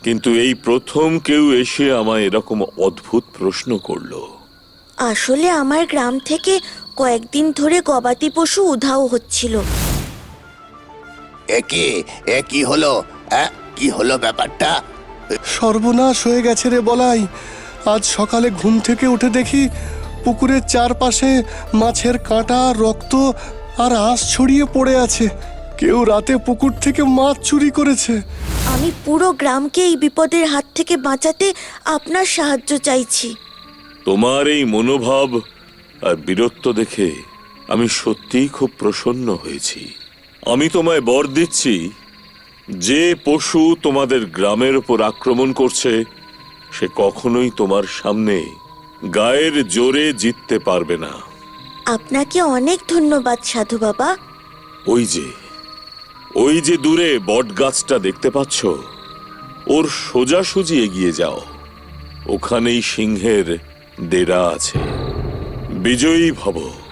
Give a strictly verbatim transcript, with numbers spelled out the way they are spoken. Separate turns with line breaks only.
কিন্তু এই প্রথম কেউ এসে আমায় এরকম অদ্ভুত প্রশ্ন করলো।
আসলে আমার গ্রাম থেকে কয়েকদিন ধরে গবাদি পশু উধাও হচ্ছিল।
একি এ কি হলো? হ্যাঁ, কি হলো ব্যাপারটা?
সর্বনাশ হয়ে গেছে রে বলাই। আজ সকালে ঘুম থেকে উঠে দেখি পুকুরের চারপাশে মাছের কাঁটা, রক্ত আর আঁশ ছড়িয়ে পড়ে আছে। কেউ রাতে পুকুর থেকে মাছ চুরি করেছে।
আমি পুরো গ্রামকে এই বিপদের হাত থেকে বাঁচাতে আপনার সাহায্য চাইছি।
তোমার এই মনোভাব আর বীরত্ব দেখে আমি সত্যিই খুব প্রসন্ন হয়েছি। আমি তোমায় বর দিচ্ছি, যে পশু তোমাদের গ্রামের উপর আক্রমণ করছে সে কখনোই তোমার সামনে গায়ের জোরে জিততে পারবে না।
আপনাকে অনেক ধন্যবাদ সাধু বাবা।
ওই যে ওই যে দূরে বট গাছটা দেখতে পাচ্ছ, ওর সোজাসুজি এগিয়ে যাও। ওখানেই সিংহের ডেরা আছে। বিজয়ী ভব।